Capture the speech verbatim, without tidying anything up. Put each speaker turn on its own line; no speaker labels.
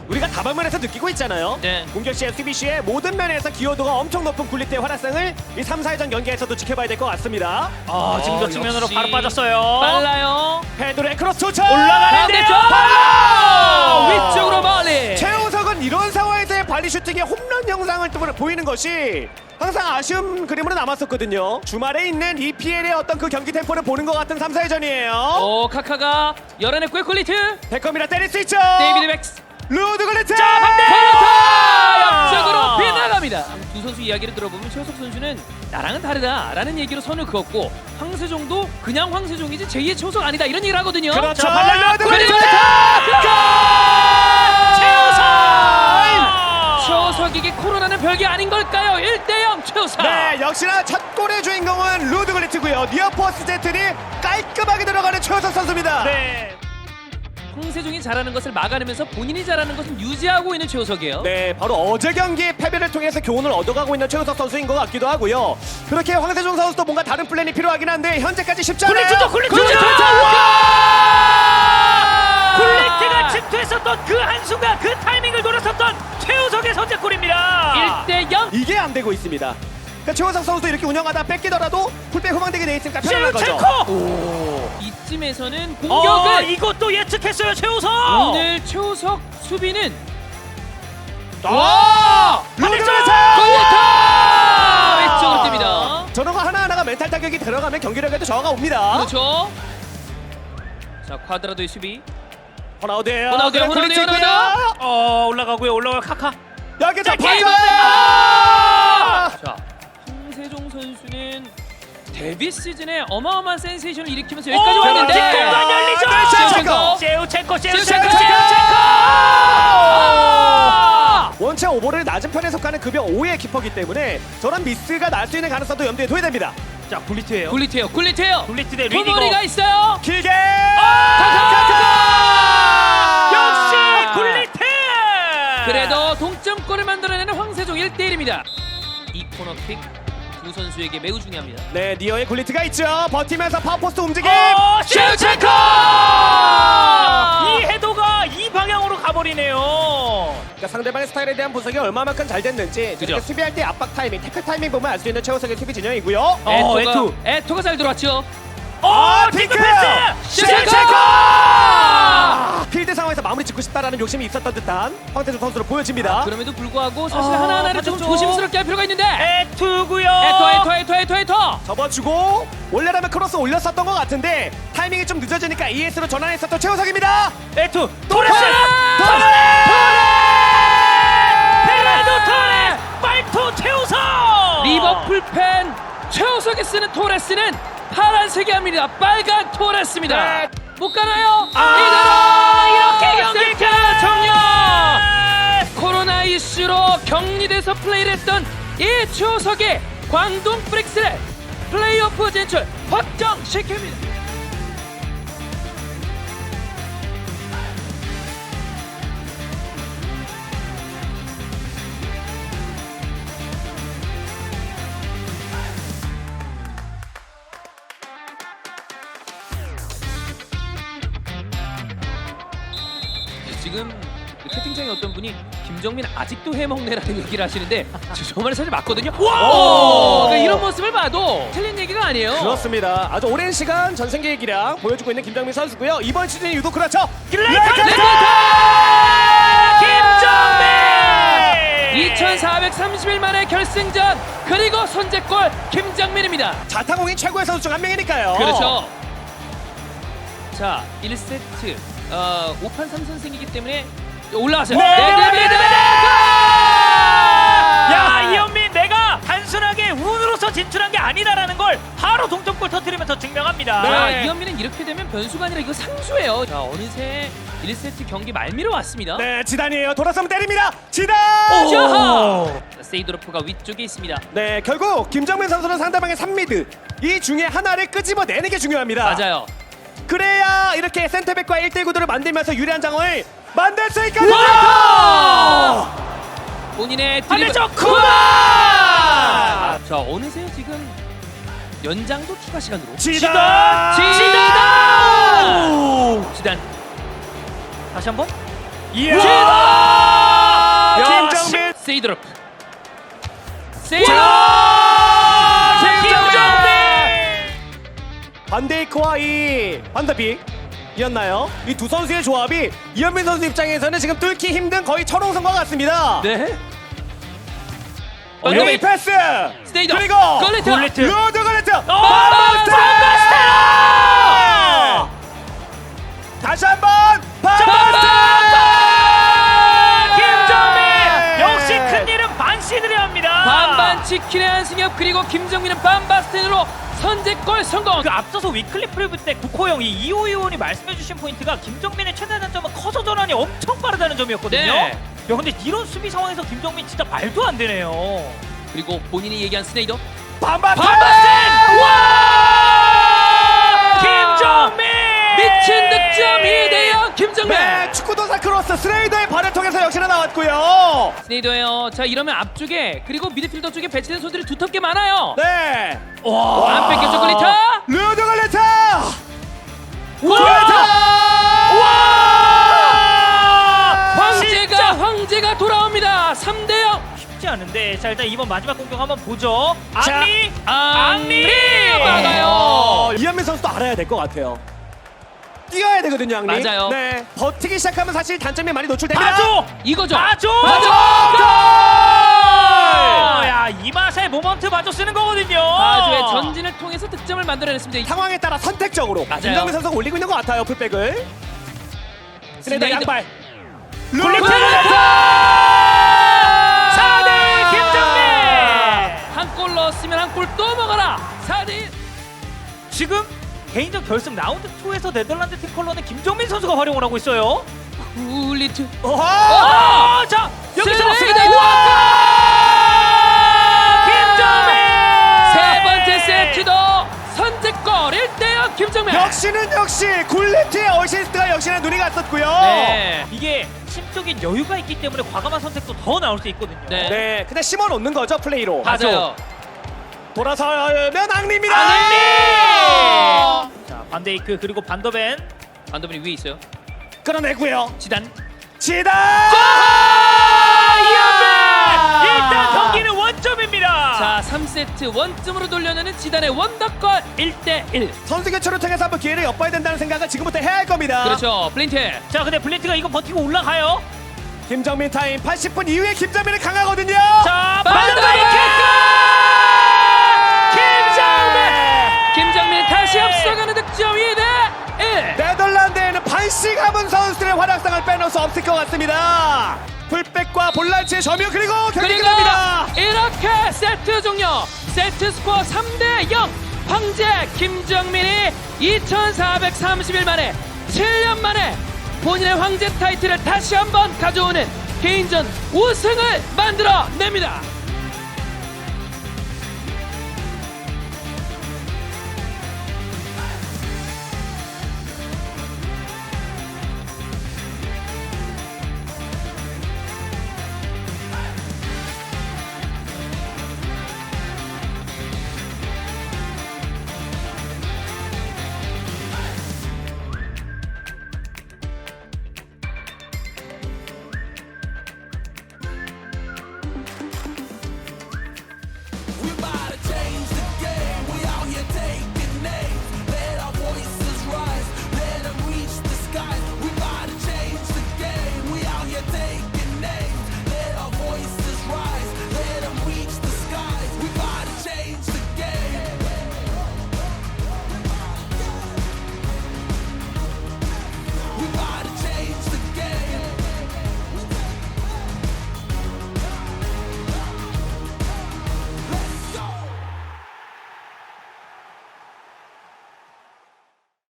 우리가 다방면에서 느끼고 있잖아요.
네.
공격 시에 수비 시에 모든 면에서 기여도가 엄청 높은 굴리트의 활약상을 이 삼, 사회전 경기에서도 지켜봐야 될 것 같습니다.
아, 지금 저 측면으로
역시
바로 빠졌어요.
빨라요.
페드로의 크로스 도착!
올라가는데요.
쪽 위쪽으로 멀리.
최우석은 이런 상황에서의 발리 슈팅의 홈런 영상을 또 보이는 것이 항상 아쉬운 그림으로 남았었거든요. 주말에 있는 이피엘의 어떤 그 경기 템포를 보는 것 같은 삼, 사회전이에요.
오 카카가 열어냈고요. 굴리트.
베컴이라 때릴 수 있죠.
데이비드 백스.
루드 굴리트!
컬러타 옆쪽으로 빗나갑니다. 두 선수 이야기를 들어보면 최우석 선수는 나랑은 다르다라는 얘기로 선을 그었고 황세종도 그냥 황세종이지 제이의 최우석 아니다 이런 얘기를 하거든요.
그렇죠.
자, 발라!
루드
굴리트!
굴리트!
최우석에게 코로나는 별게 아닌 걸까요? 일 대 영 최우석.
네, 역시나 첫 골의 주인공은 루드 굴리트고요. 니어포스 제트니 깔끔하게 들어가는 최우석 선수입니다.
네.
황세종이 잘하는 것을 막아내면서 본인이 잘하는 것은 유지하고 있는 최우석이에요.
네, 바로 어제 경기의 패배를 통해서 교훈을 얻어가고 있는 최우석 선수인 것 같기도 하고요. 그렇게 황세종 선수도 뭔가 다른 플랜이 필요하긴 한데 현재까지 쉽지 않아요.
굴리트도 굴리트도
굴리트!
굴리트가 침투했었던 그 한순간 그 타이밍을 노렸었던 최우석의 선제골입니다.
일 대 영.
이게 안 되고 있습니다. 그러니까 최우석 선수도 이렇게 운영하다 뺏기더라도 풀백 후방되게 돼 있으니까 편안한 거죠.
셰우첸코!
이쯤에서는
어,
공격을
이것도 예측했어요 최우석.
오늘 최우석 수비는
와! 루드 굴리트!
굴리트! 왼쪽으로 뜁니다.
저런 거 하나하나가 멘탈 타격이 들어가면 경기력에도 저하가 옵니다.
그렇죠. 자 쿼드라도의 수비.
호나우드예요.
호나우드요,
그래,
호나우드요,
굴리트 있고요.
호나우드.
어 올라가고요 올라가요 카카.
여기 저
자,
파이어!
게임은!
자 황세종 선수는 데뷔 시즌에 어마어마한 센세이션을 일으키면서 여기까지
오,
왔는데
뒷공간 열리죠.
셰우첸코.
셰우첸코
셰우첸코.
셰우첸코
셰우첸코.
셰우첸코.
원체 오버를 낮은 편에 속하는 급여 오의 키퍼기 때문에 저런 미스가 날 수 있는 가능성도 염두에 둬야 됩니다.
자 굴리트예요.
굴리트요 굴리트요.
굴리트 대 리디거.
토모리가 있어요.
길게!
역시 굴리트.
그래도 동점골을 만들어내는 황세종 일 대 일입니다. 이 코너킥 두 선수에게 매우 중요합니다.
네, 니어의 굴리트가 있죠. 버티면서 파워포스트 움직임!
어,
셰우첸코!
이 헤더가 이 방향으로 가버리네요.
그러니까 상대방의 스타일에 대한 분석이 얼마만큼 잘 됐는지
그죠.
저렇게 수비할 때 압박 타이밍, 태클 타이밍 보면 알 수 있는 최우석의 수비 진영이고요.
어,
에토가,
에투.
에토가 잘 들어왔죠.
어,
핑크!
핑크 패스.
셰우첸코!
아, 필드 상황에서 마무리 짓고 싶다라는 욕심이 있었던 듯한 황태준 선수로 보여집니다.
그럼에도 불구하고 사실
아,
하나하나를 좀
맞았죠.
조심스럽게 할 필요가 있는데
에투고요.
에토 에토 에토 에토 에토
접어주고 원래라면 크로스 올렸었던 것 같은데 타이밍이 좀 늦어지니까 이에스로 전환했었던 최우석입니다.
에투 토레스.
토레스!
페라도 토레스. 빨토 최우석.
리버풀 팬 최우석이 쓰는 토레스는 파란색이 아닙니다. 빨간 토레스입니다.
네.
못 가나요?
아,
이대로
이렇게 경기
세트 종료. 코로나 이슈로 격리돼서 플레이를 했던 이 최우석이 광동 프릭스를 플레이오프 진출 확정시킵니다. 지금 채팅창에 어떤 분이 김정민 아직도 해먹네라는 얘기를 하시는데 저 말이 사실 맞거든요. 와! 그러니까 이런 모습을 봐도 틀린 얘기가 아니에요.
그렇습니다. 아주 오랜 시간 전승기의 기량 보여주고 있는 김정민 선수고요. 이번 시즌이 유독 그렇죠.
레이커 김정민.
이천사백삼십 일 만에 결승전 그리고 선제골 김정민입니다.
자타공인 최고의 선수 중 한 명이니까요.
그렇죠. 자 일 세트 어, 오 판 삼 선승이기 때문에 올라왔어요.
네, 네, 네, 네, 네, 네.
야
야 이현민 내가 단순하게 운으로서 진출한 게 아니다라는 걸 바로 동점골 터뜨리면서 증명합니다.
자,
네.
이현민은 이렇게 되면 변수가 아니라 이거 상수예요. 자, 어느새 일 세트 경기 말미로 왔습니다.
네, 지단이에요. 돌아서면 때립니다. 지단!
자하! 자, 세이도르프가 위쪽에 있습니다.
네, 결국 김정민 선수는 상대방의 삼 미드 이 중에 하나를 끄집어내는 게 중요합니다.
맞아요.
그래야 이렇게 센터백과 일 대 구도를 만들면서 유리한 장을 만들 수 있거든요.
본인의 드리블.
반대쪽 쿠마.
자, 어느새 지금 연장도 추가 시간으로.
지단!
지단! 지단.
다시 한번.
이야!
지단! 세이드로프. 세이드.
반데이크와 이 반더빅이었나요? 이 두 선수의 조합이 이현민 선수 입장에서는 지금 뚫기 힘든 거의 철옹성과 같습니다.
네.
레이 패스!
스테이더.
그리고
걸레트.
걸레트.
루드 걸레트!
어,
반바스테! 다시 한번 반바스테!
김정민 역시 큰 일은 반시드려 합니다.
반반 치킨의 한승엽 그리고 김정민은 반바스텐으로 선제골 성공.
그 앞서서 위클리 프리뷰 때 국호영 이 이호 의원이 말씀해주신 포인트가 김정민의 최대 단점은 커서 전환이 엄청 빠르다는 점이었거든요.
네.
야 근데 이런 수비 상황에서 김정민 진짜 말도 안 되네요.
그리고 본인이 얘기한 스네이더.
반바스테!
반바스텐! 와!
김정민!
미친 득점 이 대 영 김정민.
네, 축구도사 크로스 스레이더의 발을 통해서 역시나 나왔고요.
스네이더예요. 자 이러면 앞쪽에 그리고 미드필더 쪽에 배치된 선수들이 두텁게 많아요.
네.
와, 안 뺏겼죠 글리터.
루드 걸레트!
와!
와!
황제가 황제가 돌아옵니다. 삼 대 영.
쉽지 않은데 자 일단 이번 마지막 공격 한번 보죠.
자,
앙리!
앙리
어,
막아요.
이현민 선수도 알아야 될 것 같아요. 뛰어야 되거든요, 앙리.
맞아요.
네. 버티기 시작하면 사실 단점이 많이 노출됩니다.
봐줘!
이거죠.
봐줘!
봐줘!
야, 이 맛에 모먼트 봐줘 쓰는 거거든요.
바주의 전진을 통해서 득점을 만들어냈습니다.
상황에 따라 선택적으로
맞아요.
김정민 선수가 올리고 있는 것 같아요, 풀백을. 스레이더
스네이더.
양발.
굴리트! 사 대 일 김정민!
한 골 넣었으면 한 골 또 먹어라. 사 대 일.
지금 개인전 결승 라운드 이에서 네덜란드 팀 컬러는 김정민 선수가 활용을 하고 있어요.
굴리트.
오하!
아, 자 여기서
스네이더.
스네이더! 김정민!
세 번째 세트도 선제골 일 대 영 김정민.
역시는 역시 굴리트의 어시스트가 역시나 눈이 갔었고요.
네.
이게 심적인 여유가 있기 때문에 과감한 선택도 더 나올 수 있거든요.
네.
네, 그냥 심어 놓는 거죠, 플레이로.
맞아요.
돌아서면 앙리입니다.
앙리!
자 반데이크 그리고 반더벤.
반더빈이 위에 있어요.
끌어내고요.
지단.
지단!
이현민! 일단 경기는 원점입니다.
자 삼 세트 원점으로 돌려내는 지단의 원더골 일 대 일.
선수 교체를 통해서 한번 기회를 엿봐야 된다는 생각을 지금부터 해야 할 겁니다.
그렇죠. 블린트.
자 근데 블린트가 이거 버티고 올라가요.
김정민 타임 팔십 분 이후에 김정민은 강하거든요.
자
반더빈
반더벤 김정민!
김정민 다시 앞서가는 득점 이 대 일.
네덜란드에는 반씩함은 선수들의 활약상을 빼놓을 수 없을 것 같습니다. 풀백과 볼란치의 점유 그리고 경기
그리고
끝납니다.
이렇게 세트 종료. 세트 스코어 삼 대 영. 황제 김정민이 이천사백삼십 일 만에 칠 년 만에 본인의 황제 타이틀을 다시 한번 가져오는 개인전 우승을 만들어냅니다.